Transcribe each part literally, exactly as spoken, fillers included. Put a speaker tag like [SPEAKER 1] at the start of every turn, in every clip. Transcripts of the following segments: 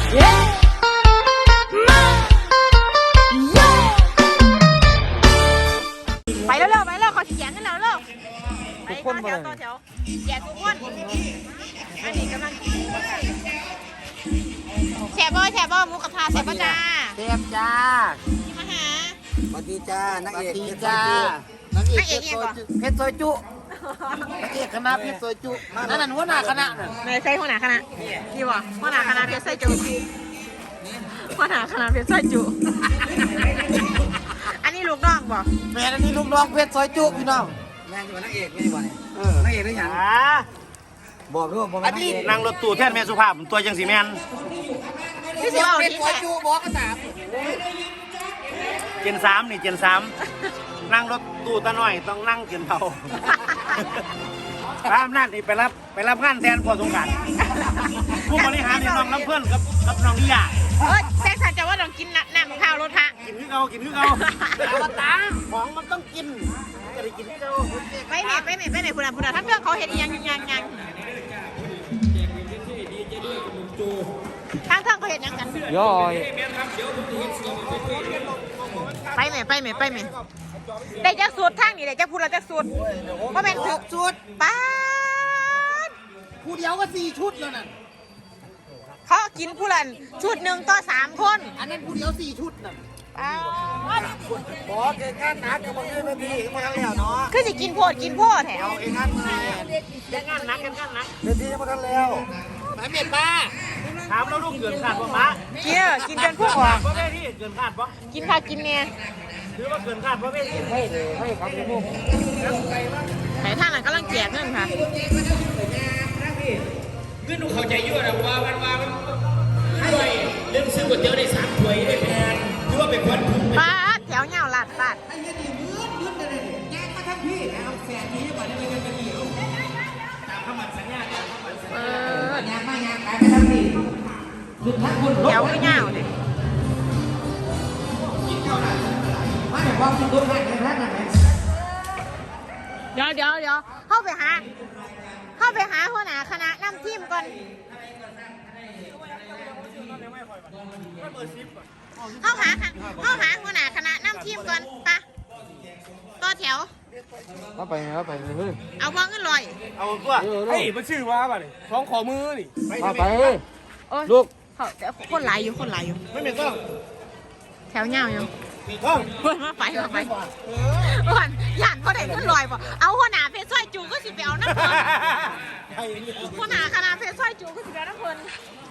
[SPEAKER 1] ไปแล้วเร็วไปแล้วขอแจกกันแล้วเร็วไปต่อแถวต่อแถวแจกทุกคนอันนี้กำลังแฉบ่แฉบ่หมูกระทะแฉบ่จ้า
[SPEAKER 2] เทพจ้า
[SPEAKER 1] ที่มาหา
[SPEAKER 3] สวัสดีจ้านางเอก
[SPEAKER 2] ดีจ้านางเอก
[SPEAKER 1] เอกเอกก่อน
[SPEAKER 2] เพชรซอยจุนางเอกคณะเพชรซอยจุนั่นนั่นหัวหน้าคณะน่ะ
[SPEAKER 1] ไม่ใช่หัวหน้าคณะนี่วะหัวหน้าคณะเพชรไส้จุหัวหน้าคณะเพชรไส้จุอันนี้ลูกน้องบ่
[SPEAKER 2] แม่อันนี้ลูกน้องเพชรซอยจุพี่น้อง
[SPEAKER 3] แม่อยู่นางเอกไม่ได้บ่เนี่ยนางเอกได้ยังบอกด้วยบอก
[SPEAKER 4] อันนี้นั่งรถตู้แทนแม่สุภาพตัวจังสีแมน
[SPEAKER 1] พี่สิเอา
[SPEAKER 2] เพช
[SPEAKER 1] ที่
[SPEAKER 2] รซอยจุบอกกันสาม
[SPEAKER 4] เจนสามนี่เจนสามนั่งรถตู้ตาหน่อยต้องนั่งเจนเทาพระอำนาจนี่ไปรับไปรับงานแทนพอสงการผู้บริหารนี่น้องน้ำเพื่อนกับกับน้องนิยา
[SPEAKER 1] เออแซงสันจะว่าต้องกินน้ำข้าวรถพระ
[SPEAKER 4] กินที่เขากินที่เขาอวตารของมันต้องกินจะได้กินที่เขา
[SPEAKER 1] ไปไหนไปไหนไปไหนคุณอ่ะคุณอ่ะท่านเพื่อนเขาเห็นยังยังยังทางทางเขาเห็นยังกัน
[SPEAKER 2] ย่อย
[SPEAKER 1] ไปไหนไปไหนไปไหนได้จักสูตรทางนี่ได้จักพูดแล้วจักสูตรว่าเป็นถึกสูตรป้า
[SPEAKER 2] ผู้เดียวก็สี่ชุดแล้วน่ะ
[SPEAKER 1] เขากินผู้ละชุดหนึ่งต่อสามคน
[SPEAKER 2] อันนั้นผู้เดียวสี่ชุดน่ะ
[SPEAKER 1] ป้า
[SPEAKER 3] บอกเกิดงานหนักกับมึงไม่ดีมาทั้งแล้วเนาะ
[SPEAKER 1] คือจะกินโพดกินโพดแถว
[SPEAKER 3] เอาเองงานมา
[SPEAKER 4] จะงานนักกันงานนัก
[SPEAKER 3] เดี๋ยวที่มาทั้งแล้ว
[SPEAKER 2] หมายเมียนป้า
[SPEAKER 4] ถามแล้วลูกเกินขาดป่ะมะ
[SPEAKER 1] กินกินจนพวกออก
[SPEAKER 4] เพราะแม่ที่เกินขาดป่ะ
[SPEAKER 1] กินค่ะกินเนี่ย
[SPEAKER 4] หรือว่าเกินขาดเพราะแม่ที่
[SPEAKER 3] ให้เลยให้ครับพี่มุก
[SPEAKER 1] ไหนท่านน่ะกำลังแจกเงินค่ะ
[SPEAKER 5] คือหนูเข้าใจอยู่นะว่ามันว่ามันด้วยเรื่องซื้อก๋วยเตี๋ยวได้สามถ้วยได้แพงหรือว่าเป็นคนถูก
[SPEAKER 1] ป้าแถวเงาลาดลาดเออแถวคือเงาเนี่ยเดี๋ยวเดี๋ยวเดี๋ยวเข้าไปหาเข้าไปหาหัวหน้าคณะนำทีมก่อนเข้าหาเข้าหาหัวหน้าคณะนำทีมก่อนปะต่อแถว
[SPEAKER 2] เอาไปเอาไปเฮ้ย
[SPEAKER 1] เอาวางเงินลอย
[SPEAKER 4] เอาตัว
[SPEAKER 5] เฮ้ยมันชื่อว่าป่ะนี่ท้องขอมือนี่
[SPEAKER 2] เอาไป
[SPEAKER 1] โอ้ย
[SPEAKER 2] ลูก
[SPEAKER 1] เขาคนหลายอยู่คนหลายอยู่
[SPEAKER 4] ไม่เป็นต้อง
[SPEAKER 1] แถวเงาอยู่
[SPEAKER 4] ต้อง
[SPEAKER 1] เฮ้ยมาไปมาไปอ้วนหยาดพอได้เงินลอยป่ะเอาหัวหน้าเพชรสร้อยจูก็สิไปเอาน้ำเพลินหัวหน้าคณะเพชรสร้อยจูก็สิไปเอาน้ำเพลิน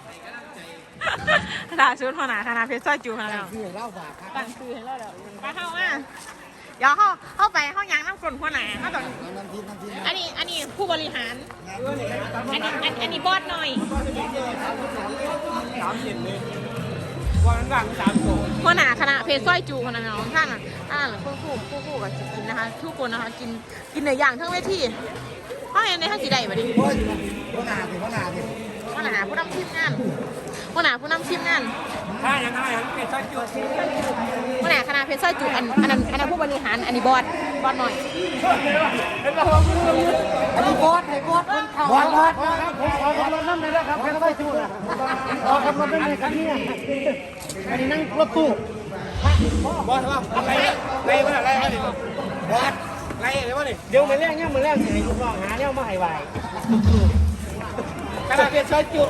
[SPEAKER 1] ด่าชุดหัวหน้าคณะเพชรสร้อยจูมาแล้ว
[SPEAKER 2] คือเล่าฝากครับ
[SPEAKER 1] ตั้งคือให้เราเดี๋ยวไปเข้ามาเดี๋ยวเข้าเข้าไปเข้ายางน้ำกลนหัวหน้าเขาต้อง
[SPEAKER 3] น้ำทิพน้ำทิพ
[SPEAKER 1] อันนี้อันนี้ผู้บริหารอันนี้อันอันนี้บอสหน่อย
[SPEAKER 5] สามเจ็ดเลยวันหลังสามโถ
[SPEAKER 1] หัวหน้าคณะเพชรสร้อยจูคนนั้นของท่านอ่ะอ่าคู่คู่คู่คู่กับกินนะคะทุกคนนะคะกินกินเนื้อย่างทั้งเวทีเขาเห็นในท่านสีใดมาดิ
[SPEAKER 3] โอ้ยพ่อหนาสิพ่อหนาสิ
[SPEAKER 1] หัวหน้าผู้นำทีมงานหัวหน้าผู้นำทีมงาน
[SPEAKER 5] ถ้าอย่างนั้นอย่างเป็นสักจุด
[SPEAKER 1] หัวหน้าคณะเพชรสร้อยจูอันอันนั้นอันนั้นผู้บริหารอันนี้บอสบอสหน่อย
[SPEAKER 2] อันนี้บอสให้บอสคนเข่า
[SPEAKER 3] บอลบอลผมขอคำนวณน้ำเลยนะครับแค่ได้จุดนะขอคำนวณได้ไหมครับเนี่ยอันนี้นั่งรถตู้
[SPEAKER 5] บอสว่าอะไรอะไรวะอะไรวะนี่
[SPEAKER 3] บอล
[SPEAKER 5] อะไรอะไรวะนี่
[SPEAKER 3] เดี๋ยวมาเลี้ยงเนี่ยมาเลี้ยงสิให้ลูกน้องหาเนี่ยมาให้ไหว
[SPEAKER 5] กระดาษเป็นซอยจุ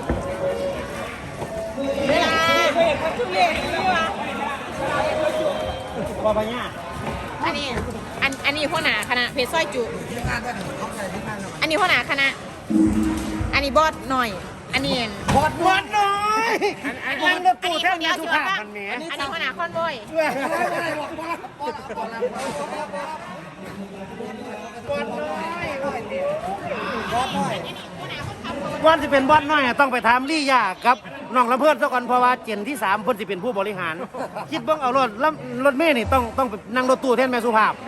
[SPEAKER 1] เวลาเวทมันคือเวทนี่วะ
[SPEAKER 3] พอปัญญา
[SPEAKER 1] อันนี้อันอันนี้หัวหน้าคณะเพชรสร้อยจูอันนี้หัวหน้าคณะอันนี้บอสหน่อย อันนี้
[SPEAKER 3] บอลบอลหน่อย
[SPEAKER 1] อันนี้นั่งรถตู้แท่นี้สุภาพมันเนี้ยอันนี้หัวหน้าคอนโวย
[SPEAKER 4] ก่อนจะเป็นบอสน้อยต้องไปถามลี่ยากับน้องลำเพื่อนซะก่อนเพราะว่าเจนที่สามเพิ่นสิเป็นผู้บริหาร คิดเบิ่งเอารถรถเมล์นี่ต้องต้องไปนั่งรถตู้แทนแม่สุภาพ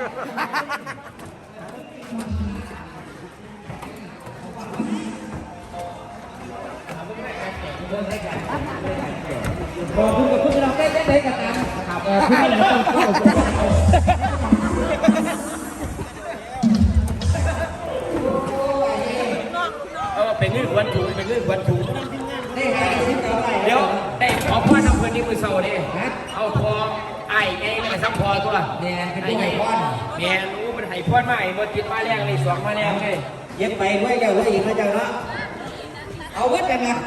[SPEAKER 2] ขอบคุณกับคุณเราได้ได้กันนะขอบคุณเราต้องเข้า
[SPEAKER 5] เออเป็นเรื่องวันถูกเป็นเรื่องวันถูกเดี๋ยวมือเศร้าดิเอาพอไอ้ไงไม่ซับพอตัว
[SPEAKER 2] แดงเป็นผู้ใหญ่พ่อน
[SPEAKER 5] แม่รู้มันไห้พอดมาไอ้บติดมาแรงเลยสองมาแรงเลย
[SPEAKER 2] เย็บไปไว้เจ้าไว้อีกนะเจ้าเนาะเอาไว้กันนะ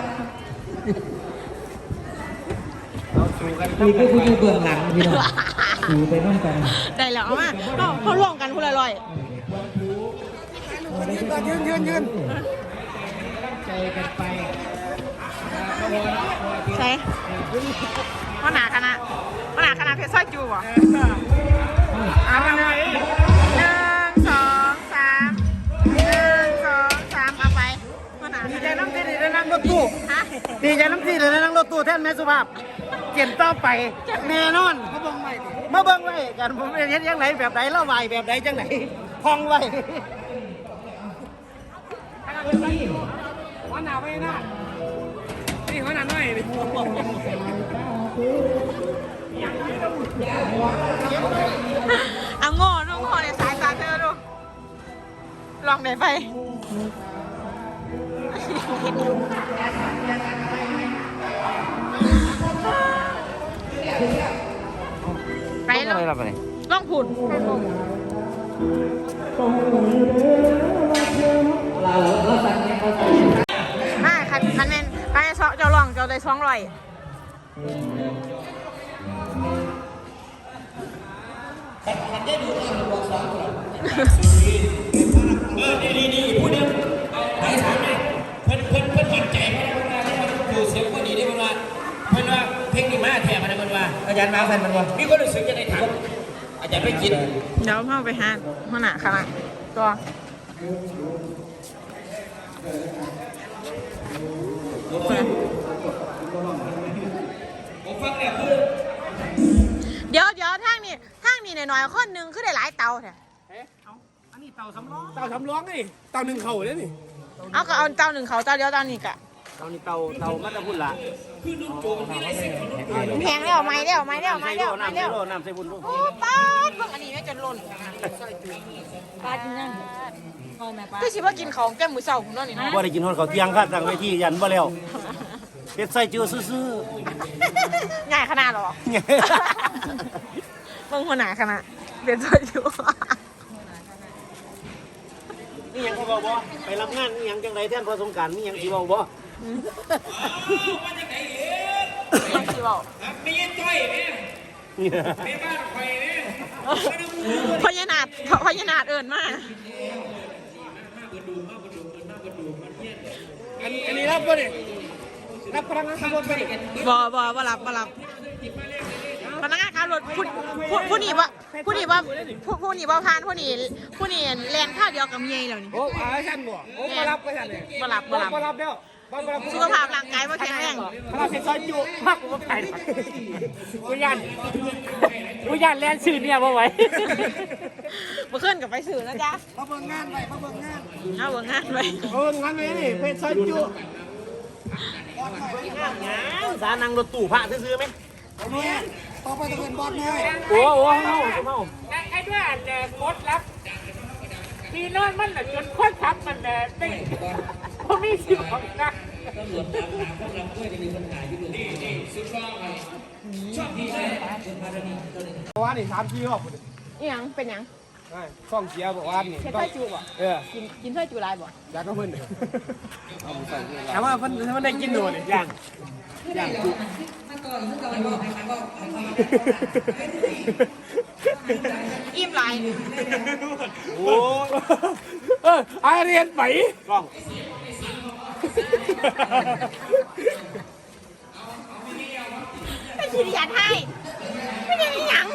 [SPEAKER 5] เอาสู่กัน
[SPEAKER 2] คุยก็คุยอยู่เบื้องหลังพี่น้องสูไปน้องกัน
[SPEAKER 1] ได้แล้วเอามาเขาเขาร่วมกันคนละร้อย
[SPEAKER 3] ยืนยืนยืน
[SPEAKER 2] ใจกันไป
[SPEAKER 1] ใช่ว่าหนาคณะว่าหนาคณะเพชรสร้อยจูบ่
[SPEAKER 3] อ่ามันเลย
[SPEAKER 1] หนึ่งสองสามหนึ่งสองสามเอาไปว่าหนา
[SPEAKER 4] ดี
[SPEAKER 1] ค
[SPEAKER 4] ใจ
[SPEAKER 1] ณะ
[SPEAKER 4] น้ำตีได้นั่งรถตู้
[SPEAKER 1] ฮะ
[SPEAKER 4] ดีใจน้ำตีได้นั่งรถตู้แทนแม่สุภาพเกียนต่อไปแน่นอนมาเบิ่งใหม่มาเบิ่งไว้กันผมเห็นยังไงแบบไหนเล่าไหวแบบไหนจังไหนพองไว้
[SPEAKER 3] วันหนาวไปนะนี่วันหนาวหน่อยดิ
[SPEAKER 1] เอาโง่ดูโง่ในสายตาเธอดูลองไหนไปไปลองลองผุด
[SPEAKER 2] เราเราสั่งให้เขาสั่ง
[SPEAKER 1] มาคันคันแมนไปเชาะเจ้าลองเจ้าได้สองร้อย
[SPEAKER 5] เออดีดีดีพูดเดียวไปถามเลยเพิ่นเพิ่นเพิ่นมั่นใจไหมว่าอยู่เสียงคนดีได้เพิ่นว่าเพิ่นว่าเพลงนี้มาแถมอะไรเพิ่นว่า
[SPEAKER 2] อาจารย์มาสั่นมันวัน
[SPEAKER 5] มีคนรู้สึกจะได้ถามอาจารย์ไปกิน
[SPEAKER 1] เดี๋ยวพ่อไปหาหัวหน้าคณะตัว
[SPEAKER 5] ผมฟังเนี่ยคือ
[SPEAKER 1] เดี๋ยวเดี๋ยวทางนี้ทางนี้หน่อยๆคนหนึงคือได้หลายเตาแท้
[SPEAKER 4] อันนี้เต่าสำรอง
[SPEAKER 3] เต่าทำร้องนี่เต่าหนึ่งเข่าเลยนี่
[SPEAKER 1] เอาก็เอาเตาหนึ่งเขาเตาเดียวเตานี้กะ
[SPEAKER 4] เต่านี่เต่าเต่ามัตตพุ่นละ
[SPEAKER 1] แพงแล้วไม่แล้วไม่แล้วไม่แล้วไม่
[SPEAKER 4] น้ำใส่
[SPEAKER 1] แล้ว
[SPEAKER 4] โลน้ำใส่บุญลูก
[SPEAKER 1] โอ้ป้าดเบิ่งอันนี้แม่จนหล่นป้าดยังคือสิว่ากินของแก้มมือเศร้าผมเนาะนี่เนาะ
[SPEAKER 4] บ่ได้กินฮอดข้าวเที่ยงค่ะตั้งไว้ที่ยันบ่แล้วเฮ็ดใส่จือซื่อ
[SPEAKER 1] ง่ายขนาดหรอ
[SPEAKER 4] ๆเนี่ย
[SPEAKER 1] เบิ่งหัวหน้าคณะเรียนสวยอยู่
[SPEAKER 4] นี่หยังเขาบอกบ่ไปรับงานนี่หยังจังไดแทนพอสงกรานต์มีหยังสิเว้าบ่
[SPEAKER 1] ยังสิบอก
[SPEAKER 5] ไม่ยินจ้อยเนี่ยไม่บ้านไฟเนี่ย
[SPEAKER 1] พญานาคพญานาคเอิญมาก
[SPEAKER 3] อันอันนี้รับป่ะนี่รับพลังงานขับรถไปดิ
[SPEAKER 1] บอบอบอรับบอรับพนักงานขับรถผู้ผู้ผู้นี้ว่าผู้นี้ว่าผู้ผู้นี้ว่าพานผู้นี้ผู้นี้แลนข้าวเดียวกับเมียแล้วนี่
[SPEAKER 3] โอ้อาชันบ่โอ้มารับไปชันเลย
[SPEAKER 1] บอรับบอรับ
[SPEAKER 3] มารับแล้วมารับ
[SPEAKER 1] สุขภาพร่างกายว่าแข็งแรง
[SPEAKER 3] เราเป็นซอยจุพักกูไปกูยันกูยันแลนชื่อเนี่ยมาไว้
[SPEAKER 1] มาขึ้นกับไปสื่อนะจ๊ะ
[SPEAKER 3] มาเบิ่งงานไปมาเบิ่งงาน
[SPEAKER 1] เอาเบิ่งงานไป
[SPEAKER 3] เบิ่งงานไปนี่เป็นซอยจุ
[SPEAKER 4] สานั่งรถตู้พระซื้อๆไหม
[SPEAKER 3] เนี่ยต่อไปจะเป็นบอลน้อย
[SPEAKER 4] โอ้โหเฮาเฮา
[SPEAKER 6] ไอ้ด้วยอันเนี่ยกดรับพี่น้อยมันน่ะจนคนทับมันเนี่ยไม่เพราะมีสิบของกัน
[SPEAKER 3] ว่านี่สามทีบอก
[SPEAKER 1] อีหยังเป็นหยัง
[SPEAKER 3] ช่องเชียร์บอกว่านี่
[SPEAKER 1] เฮ็ดไส้จูบ่
[SPEAKER 3] เออ
[SPEAKER 1] กินกินไส้จูหลายบ่
[SPEAKER 3] อยากก็เพิ่นแต่ว่าเพิ่นเพิ่นได้กินหนูนี่ย่างย่างจุ
[SPEAKER 1] อิ่มหลาย
[SPEAKER 4] โอ้
[SPEAKER 3] เอออาเรียนไป
[SPEAKER 4] กล้อง
[SPEAKER 1] ไม่คิดอยากให้ไม่ได้อีหยัง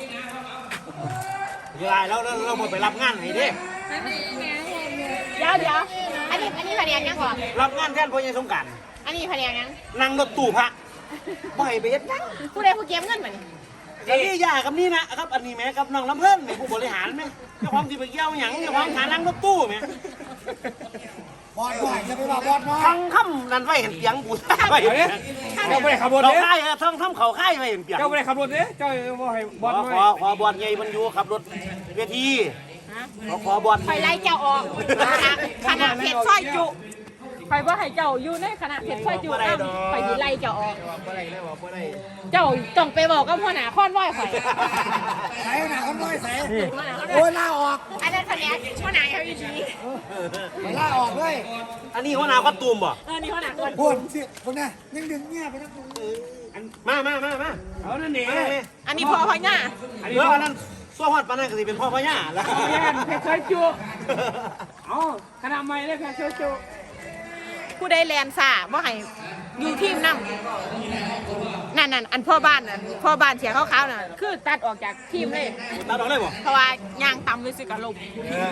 [SPEAKER 4] เวลาแล้วเราเราไปรับงานให้เด้
[SPEAKER 1] เดี๋ยวเดี๋ยวอันนี้อันนี้แผนกยังก่อน
[SPEAKER 4] รับงานแทนพ่อใหญ่สงกรานต์
[SPEAKER 1] อันนี้แผนกยัง
[SPEAKER 4] นั่งรถตู้พระบ่ให้ไปเฮ็ดหยัง
[SPEAKER 1] ผู้ใดผู้เก็บเงินมานี่
[SPEAKER 4] กับนี่ยากับนี่นะครับอันนี้แม่กับน้องลำเพิ่นแม่ผู้บริหารแม่เจ้าของที่ไปเกี่ยวหยังเจ้าของฐานั่งรถตู้แม่
[SPEAKER 3] บอลน้อยจะไปว่าบอลน้อย
[SPEAKER 4] ทั้งคำนั่นไว้เห็นเปียงกูไว้
[SPEAKER 3] เดี๋ยวนี้เจ้าไม่ได้ขับรถ
[SPEAKER 4] เรา
[SPEAKER 3] เนี่ย
[SPEAKER 4] ค่ายทั้งทำเขาค่ายไว้เห็นเปียง
[SPEAKER 3] เจ้าไม่ได้ขับรถเนี่ยเจ้าบ่ให้บ
[SPEAKER 4] ข
[SPEAKER 3] อ
[SPEAKER 4] อ
[SPEAKER 3] ลน้
[SPEAKER 4] ข
[SPEAKER 3] อ
[SPEAKER 4] อย ขอบอลใหญ่มันอยู่ขับรถเวทีขอขอบอล
[SPEAKER 1] คอยไล่เจ้าออกคณะคณะเพชรสร้อยจุไปว่าให้เจ้าอยู่ในคณะเพชรซอยจูนไปดีไล่เจ้าออก
[SPEAKER 4] บ่ได้เลยบ่บ่ได้
[SPEAKER 1] เจ้าต้องไปบอกกับพ่อหน้าค้อนว้อยข่อย
[SPEAKER 3] ใส่หนาเขาน้อยใส่โอ้ยลาออก
[SPEAKER 1] อันนั้นคะแนนพ่อหน้าเขาอีกที
[SPEAKER 3] ลาออกเลย
[SPEAKER 4] อันนี้หัวหน้าคอตูมบ่
[SPEAKER 1] เออนี่พ่อหน้าค้อน
[SPEAKER 3] พูดสิพวกนี้ยังดึงเงี้ยไปทั้งตัว
[SPEAKER 4] มามามามา
[SPEAKER 6] เอานั่นนี่
[SPEAKER 1] อันนี้พ่อพ่อหน้า
[SPEAKER 4] เดี๋ยวอันนั้นซัวฮอดปานนั้นก็สิเป็นพ่อพ่อย่าแล้ว
[SPEAKER 6] แย่นเพชรซอยจูเอาขนาดใหม่เลยเพชรซอยจู
[SPEAKER 1] ผู้ใดแลนซ่าบ่ให้อยู่ทีมนำนั่นนั่นอันพ่อบ้านนั่นพ่อบ้านเสียขาวๆน่ะคือตัดออกจากทีมเลย
[SPEAKER 4] ตัดออกได้บ่
[SPEAKER 1] เพราะว่ายางต่ำเลยสิกะลม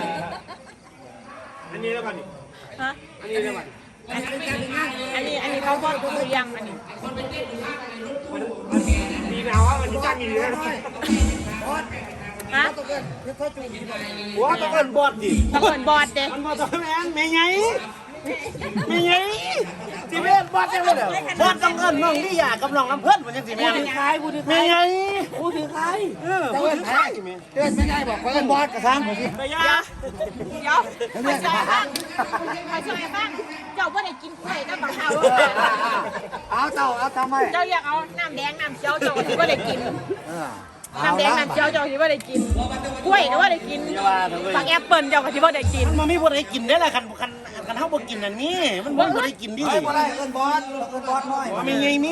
[SPEAKER 4] อันนี้แล้วกันนี่
[SPEAKER 1] ฮะ
[SPEAKER 4] อันนี้แล้วกัน
[SPEAKER 1] อันนี้อันนี้เขาก็คือยังอันนี้
[SPEAKER 6] ดีหนาวมันจ้างอยู่เลย
[SPEAKER 1] ฮะ
[SPEAKER 4] หัวตะเกินบอดดิ
[SPEAKER 1] ตะเกินบอดเด้
[SPEAKER 4] มันบ่ต้องแม่นแม่ใหญ่แม่ใหญ่สิแม่นบอดจังเลยเด้อบอดต้องเอิ้นน้องลี่ยากับน้องลำเพิ่นมันจังสิแม่น
[SPEAKER 3] ขายกูถือ
[SPEAKER 4] แม่ใหญ่
[SPEAKER 3] กูถือขาย
[SPEAKER 4] เออบ่ถือใครแม่
[SPEAKER 3] เดือนไม่ได้บอกว่าบอสกระซังผมสิ
[SPEAKER 4] ไปยา
[SPEAKER 1] เดี๋ยวไปช่วยบ้างไปช่วยบ้างเจ้าบ่ได้กินกล้วยกับบักเฮา
[SPEAKER 3] เอาเจ้าเอาทำไม
[SPEAKER 1] เจ้าอยากเอาน้ำแดงน้ำเจียวเจ้าที่บ่ได้กินน้ำแดงน้ำเจียวเจ้าที่บ่ได้กินกล้วยก็บ่ได้กินฝักแอปเปิ้ลเจ้าก็ที่บ่ได้กิน
[SPEAKER 4] มันบ่มีบ่ได้กินได้ล่ะคันคันคันเฮาบ่กินอันนี้มันบ่ได้กินดิ
[SPEAKER 3] เฮ้ยบ่ได้เอิ้นบอสเอิ้นบอสน้อย
[SPEAKER 4] แม่ใหญ่มี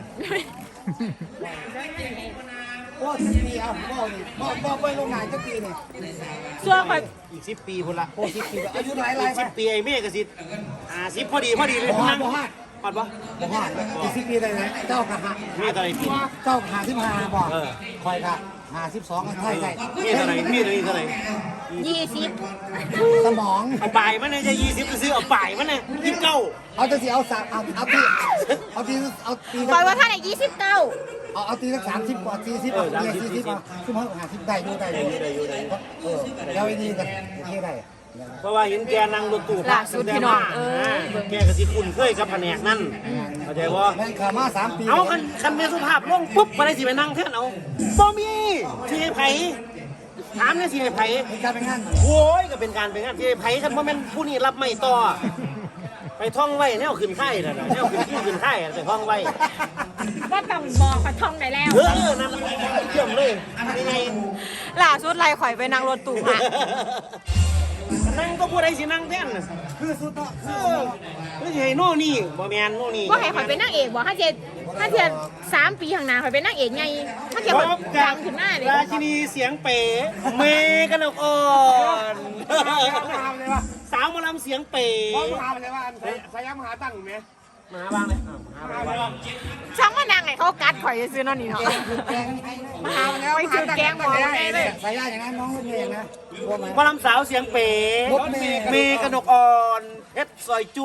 [SPEAKER 3] โอ้สิบปีเอาบ่นี่บ่บ่ไปโรงงานจักปีนี่
[SPEAKER 1] ส่วนข่อย
[SPEAKER 4] อีกสิบปีพุ่นละ
[SPEAKER 3] โอ้สิบปีอายุหลายหลาย
[SPEAKER 4] สิบปีไอ้เมฆก็สิห้าสิบพอดีพอดีเลย
[SPEAKER 3] บ่ฮอ
[SPEAKER 4] นั่
[SPEAKER 3] ด
[SPEAKER 4] ง
[SPEAKER 3] บ่ฮอด
[SPEAKER 4] ฮอดบ่
[SPEAKER 3] บ่ฮอดอีกสิบปีได้ไหมเจ้ากะหา
[SPEAKER 4] เมฆอะไรกิน
[SPEAKER 3] เจ้าหาสิบห้าบ่คอยกะหาสิบสองใช่ใช่
[SPEAKER 4] เมฆอะไรเมฆอะไรเท่าไหร่
[SPEAKER 1] ยี่สิบ
[SPEAKER 3] สมอง
[SPEAKER 4] เอาป่ายมันเนี่ยจะยี่สิบก็ซื้อเอาป่ายมันเนี่ยยี่สิบเก้า
[SPEAKER 3] เอาจะสิเอาสักเอาเอาตีเอาตีเอาตี
[SPEAKER 1] ข่อยว่าท่านไหนยี่สิบเก้า
[SPEAKER 3] เอาเอาตีสักสามสิบกว่าสี่สิบเอาตีสี่สิบเอาซึ่งเขาหาสิบได้อยู่ได้อยู่ได้อยู่ได้เออแล้วไอ้นี่กันโอเคได้
[SPEAKER 4] เพราะว่าเห็นแกนั่งรถตู้
[SPEAKER 1] ล่าสุดพี่น้องเออ
[SPEAKER 4] แกก็สิคุ้นเคยกับแผนกนั่นเข้าใจบ่
[SPEAKER 3] แม่งขามาสามปี
[SPEAKER 4] เอาคันคันแม่สุภาพลงปุ๊บบ่ได้สิไปนั่งแทนเอาบ่มีสิให้ไผถามเนี่ยสิให้ไผ
[SPEAKER 3] เป็นการเป็นงาน
[SPEAKER 4] โอ้ยก็เป็นการเป็นงานสิให้ไผคันบ่แม่นผู้นี้รับไม่ต่อไปท่องไว้แนวขึ้นค่ายนั่นน่ะแนวขึ้นที่ขึ้นค่ายไปท่องไว้
[SPEAKER 1] ก็ต้องบอกข่อยท่องได้แล้ว
[SPEAKER 4] เออนั่นเยี่ยมเลยยังไง
[SPEAKER 1] ล่าสุดไล่ข่อยไปนั่งรถตู้มา
[SPEAKER 4] นั่งก็ผู้ใดสินั่งแท่นน่ะ
[SPEAKER 3] คือสุดเนาะ
[SPEAKER 4] เออไม่ใช่โน่นี่บ่แม่นโน่นี่
[SPEAKER 1] ว่าให้ข่อยเป็นนางเอกบอกถ้าเจ็ดถ้าเจ็ดสามปีข้างหน้าข่อยเป็นนางเอกไงถ้าเจ็ด
[SPEAKER 4] พ
[SPEAKER 1] ข่อย
[SPEAKER 4] บกั
[SPEAKER 1] ดั
[SPEAKER 4] บ
[SPEAKER 1] งขึ้นหน้าเลย
[SPEAKER 4] ราชินีเสียงเป๋เมกันออกอ่อน
[SPEAKER 6] ถามเลยว่า
[SPEAKER 4] สาวหมอลำเสียงเป๋
[SPEAKER 6] พ่อถามเลยว่าสยามหาตั้งไหม
[SPEAKER 4] มาบ้างเลยอ้าวมาบ้างเลย
[SPEAKER 1] ช่างว่านางไงเขากัดข่อยซื้อนั่นนี่เนาะ
[SPEAKER 3] แกง
[SPEAKER 1] มาหาแล้วไปซื้อแกงหมอไงเลย
[SPEAKER 3] สายยาอย่างนั้นน้องรถเมย์นะว่าไหม
[SPEAKER 4] หมอลำสาวเสียงเป๋
[SPEAKER 3] รถเมย์
[SPEAKER 4] เมกันออกอ่อนเพชรซอยจุ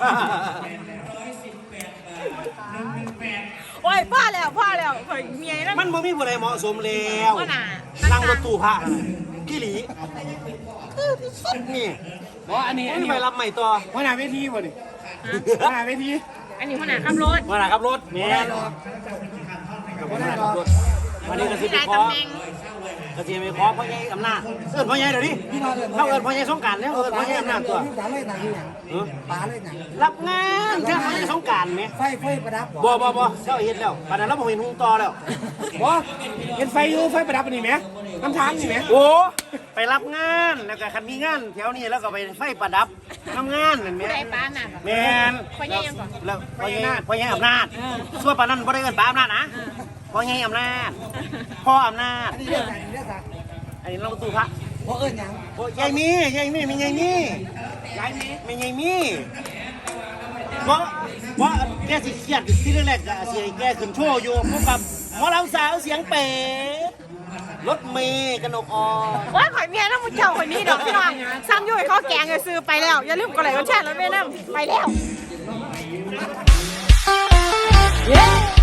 [SPEAKER 1] โอ้ยพ่อแล้วพ่อแล้วข่อยเมียนั่น
[SPEAKER 4] มันบ่มีผู้ใดเหมาะสมแล้ว
[SPEAKER 1] ว่าน่ะ
[SPEAKER 4] นั่งรถตู้ผ้ากี่หลีคือที่สุดนี่
[SPEAKER 6] บอกอันนี้อัน
[SPEAKER 4] ไม่
[SPEAKER 6] นี้
[SPEAKER 4] ไปรับใหม่ต่อ
[SPEAKER 6] หัวหน้าเวทีวะนี่หัวหน้าเวที
[SPEAKER 1] อันนี้ขนาดขับรถ
[SPEAKER 4] มาหน่ะครับรถแม่นกับมาหน่ะครับรถวันนี้ก็สิ
[SPEAKER 1] มีห
[SPEAKER 4] ไป
[SPEAKER 1] ลาย
[SPEAKER 4] ขอ
[SPEAKER 1] ตำแหน่ง
[SPEAKER 4] ก็สิไปขอพ่อใหญ่อำนาจเอิ้นพ่อใหญ่เดี๋ยวนี้เขาเอิ้นพ่อใหญ่สงกรารเนี่ยเอิ้นพ่อใหญ่อำนาจตัว
[SPEAKER 3] ปลาเลยหนังอย่างปลาเลยหนัง
[SPEAKER 4] รับงานเท่าพ่อใหญ่สงกรารไหม
[SPEAKER 3] ไฟไฟประดับ
[SPEAKER 4] บ่บ่บ่เจ้าเฮ็ดแล้วปานนั้นเราบ่เห็นหุงต่อแล้ว
[SPEAKER 6] บอกเห็นไฟอยู่ไฟประดับอันนี้ไหมน้ำทางนี่ไหม
[SPEAKER 4] โอ้ไปรับงานแล้วก็คันมีงานแถวนี้แล้วก็ไปไฟประดับทำงานนั่นแห
[SPEAKER 1] ผู้
[SPEAKER 4] ม่
[SPEAKER 1] ใดป้าน่ะ
[SPEAKER 4] แม่น
[SPEAKER 1] พ่อใหญ่ยังก่อน
[SPEAKER 4] แล้วพ่อใหญ่พ่อใหญ่อำนาจส่วนปานนั้นบ่ได้เอิ้นป้าอำนาจนะพ่อใหญ่อำนาจพ่ออำนาจ
[SPEAKER 3] อันนี้เรื่องอะไรเรื่องอะไร
[SPEAKER 4] อันนี้เราตู้พระ
[SPEAKER 3] เพราะเอิญยัง
[SPEAKER 4] โอ้ยายมียายมีมียายมียายมีมียายมีเพราะเพราะแกสิเครียดที่แรกๆก็สิให้แกขึ้นโชว์อยู่พบกับหมอลำสาวเสียงเป๋รถเมย์กนกอ่อน
[SPEAKER 1] ว่าข่อยเมียน้ำมุเจ้าคนนี้ดอกพี่น้องซ้ำยุ่ยเขาแกงซื้อไปแล้ว อย่าลืมกดไลค์กดแชร์แล้วแม่น้ำไปแล้ว